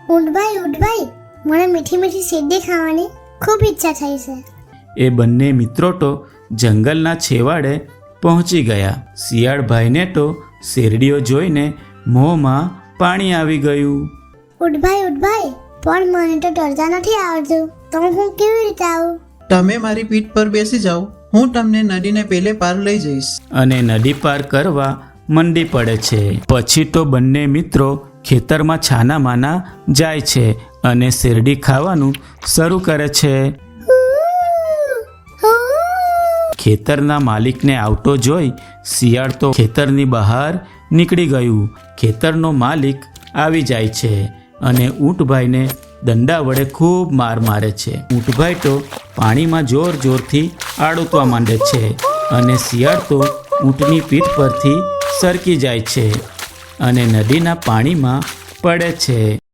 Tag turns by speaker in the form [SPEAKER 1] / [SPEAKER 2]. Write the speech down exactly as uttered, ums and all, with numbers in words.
[SPEAKER 1] ઊંટભાઈ ઊંટભાઈ, મને મીઠી મીઠી શેરડી ખાવાની ખૂબ ઈચ્છા થઈ છે.
[SPEAKER 2] એ બંને મિત્રો તો જંગલના છેવાડે પહોંચી ગયા. શિયાળભાઈને તો શેરડીઓ જોઈને મોંમાં પાણી આવી ગયું.
[SPEAKER 1] ઊંટભાઈ ઊંટભાઈ, પણ મને તો તરતા નથી આવડતું, તો હું કેવી રીતે આવું?
[SPEAKER 3] તમે મારી પીઠ પર બેસી જાઓ, હું તમને નદીને પેલે પાર લઈ જઈશ.
[SPEAKER 2] અને નદી પાર કરવા મંડી પડે છે. પછી તો બંને મિત્રો ખેતરમાં છાના માના જાય છે અને શેરડી ખાવાનું શરૂ કરે છે. ખેતરના માલિકને આવતો જોઈ શિયાળ તો ખેતરની બહાર નીકળી ગયું. ખેતરનો માલિક આવી જાય છે અને ઊંટભાઈને દંડા વડે ખૂબ માર મારે છે. ઊંટભાઈ તો પાણીમાં જોર જોરથી આડોતવા માંડે છે અને શિયાળ તો ઊંટની પીઠ પરથી સરકી જાય છે અને નદીના પાણીમાં પડે છે.